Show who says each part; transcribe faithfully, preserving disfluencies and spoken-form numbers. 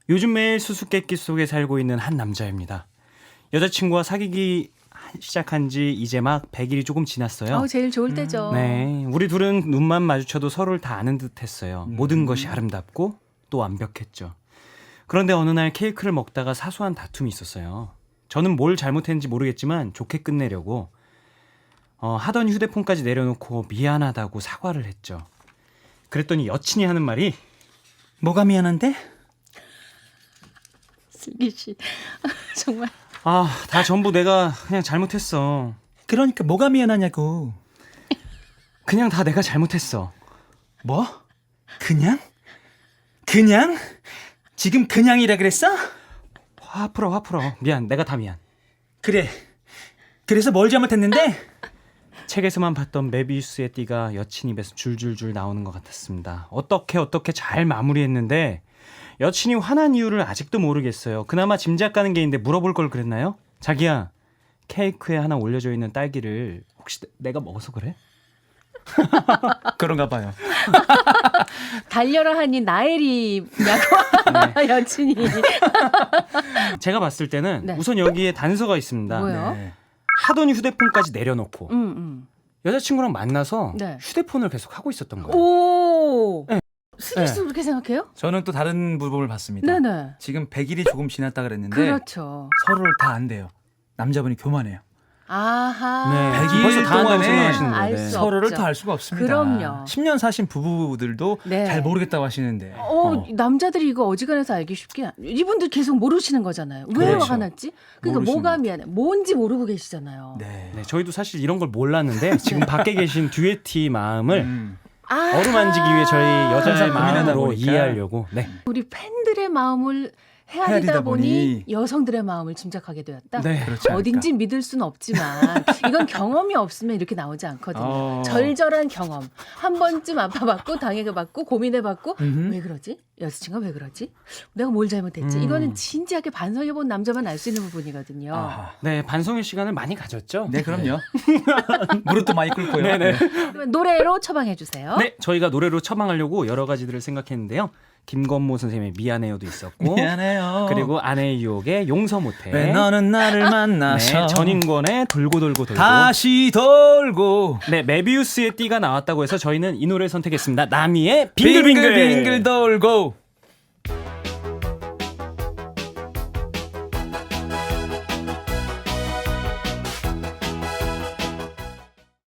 Speaker 1: 요즘 매일 수수께끼 속에 살고 있는 한 남자입니다. 여자친구와 사귀기 시작한 지 이제 막 백 일이 조금 지났어요.
Speaker 2: 어, 제일 좋을 때죠.
Speaker 1: 네, 우리 둘은 눈만 마주쳐도 서로를 다 아는 듯했어요.
Speaker 3: 음.
Speaker 1: 모든 것이 아름답고 또 완벽했죠. 그런데 어느 날 케이크를 먹다가 사소한 다툼이 있었어요. 저는 뭘 잘못했는지 모르겠지만 좋게 끝내려고 어, 하던 휴대폰까지 내려놓고 미안하다고 사과를 했죠. 그랬더니 여친이 하는 말이
Speaker 3: 뭐가 미안한데?
Speaker 2: 슬기 씨 정말
Speaker 1: 아, 다 전부 내가 그냥 잘못했어.
Speaker 3: 그러니까 뭐가 미안하냐고.
Speaker 1: 그냥 다 내가 잘못했어.
Speaker 3: 뭐? 그냥? 그냥? 지금 그냥이라 그랬어?
Speaker 1: 화 풀어, 화 풀어. 미안, 내가 다 미안.
Speaker 3: 그래. 그래서 뭘 잘못했는데?
Speaker 1: 책에서만 봤던 메비우스의 띠가 여친 입에서 줄줄줄 나오는 것 같았습니다. 어떻게 어떻게 잘 마무리했는데 여친이 화난 이유를 아직도 모르겠어요. 그나마 짐작 가는 게 있는데 물어볼 걸 그랬나요? 자기야, 케이크에 하나 올려져 있는 딸기를 혹시 내가 먹어서 그래?
Speaker 3: 그런가 봐요.
Speaker 2: 달려라 하니 나엘이냐고 여친이.
Speaker 1: 제가 봤을 때는
Speaker 2: 네.
Speaker 1: 우선 여기에 단서가 있습니다.
Speaker 2: 뭐요?
Speaker 3: 네.
Speaker 1: 하던 휴대폰까지 내려놓고
Speaker 2: 음, 음.
Speaker 1: 여자친구랑 만나서
Speaker 2: 네.
Speaker 1: 휴대폰을 계속 하고 있었던 거예요.
Speaker 2: 오.
Speaker 1: 네.
Speaker 2: 슬기 씨도
Speaker 1: 네.
Speaker 2: 그렇게 생각해요?
Speaker 3: 저는 또 다른 부분을 봤습니다.
Speaker 2: 네네.
Speaker 3: 지금 백 일이 조금 지났다 그랬는데
Speaker 2: 그렇죠.
Speaker 3: 서로를 다 안돼요. 남자분이 교만해요.
Speaker 2: 아하.
Speaker 1: 네,
Speaker 3: 백 일
Speaker 1: 벌써 다 한다고
Speaker 3: 동안에
Speaker 1: 생각하시는
Speaker 2: 알
Speaker 1: 거예요.
Speaker 2: 수
Speaker 1: 네.
Speaker 2: 없죠.
Speaker 3: 서로를 더 알 수가 없습니다.
Speaker 2: 그럼요.
Speaker 3: 십 년 사신 부부들도
Speaker 2: 네.
Speaker 3: 잘 모르겠다고 하시는데.
Speaker 2: 어,
Speaker 3: 어.
Speaker 2: 남자들이 이거 어지간해서 알기 쉽게 안- 이분들 계속 모르시는 거잖아요. 왜
Speaker 3: 그렇죠.
Speaker 2: 화가 났지? 그러니까
Speaker 3: 모르시는
Speaker 2: 뭐가
Speaker 3: 거죠.
Speaker 2: 미안해? 뭔지 모르고 계시잖아요.
Speaker 3: 네.
Speaker 1: 네, 저희도 사실 이런 걸 몰랐는데 지금 밖에 계신 듀에티 마음을
Speaker 3: 음.
Speaker 2: 아,
Speaker 1: 어루만지기 위해 저희 여자의
Speaker 3: 항상 고민하다
Speaker 1: 마음으로
Speaker 3: 보니까.
Speaker 1: 이해하려고. 네.
Speaker 2: 우리 팬들의 마음을 헤아리다
Speaker 3: 헤아리다
Speaker 2: 보니
Speaker 3: 보니
Speaker 2: 여성들의 마음을 짐작하게 되었다.
Speaker 1: 네.
Speaker 3: 그렇지 않을까.
Speaker 2: 어딘지 믿을 수는 없지만 이건 경험이 없으면 이렇게 나오지 않거든요.
Speaker 3: 어.
Speaker 2: 절절한 경험. 한 번쯤 아파봤고 당해봤고 고민해봤고
Speaker 3: 음흠.
Speaker 2: 왜 그러지? 여자친구가 왜 그러지? 내가 뭘 잘못했지?
Speaker 1: 음.
Speaker 2: 이거는 진지하게 반성해본 남자만 알 수 있는 부분이거든요.
Speaker 3: 아하.
Speaker 1: 네, 반성의 시간을 많이 가졌죠.
Speaker 3: 네, 그럼요. 무릎도 많이 꿇고요.
Speaker 1: 네네.
Speaker 2: 그러면 노래로 처방해주세요.
Speaker 1: 네, 저희가 노래로 처방하려고 여러 가지들을 생각했는데요. 김건모 선생님의 미안해요도 있었고,
Speaker 3: 미안해요.
Speaker 1: 그리고 아내의 유혹의 용서 못해.
Speaker 3: 왜 너는 나를 만나서
Speaker 1: 네, 전인권의 돌고 돌고 돌고.
Speaker 3: 다시 돌고
Speaker 1: 네, 메비우스의 띠가 나왔다고 해서 저희는 이 노래 선택했습니다. 나미의 빙글빙글.
Speaker 3: 빙글빙글 돌고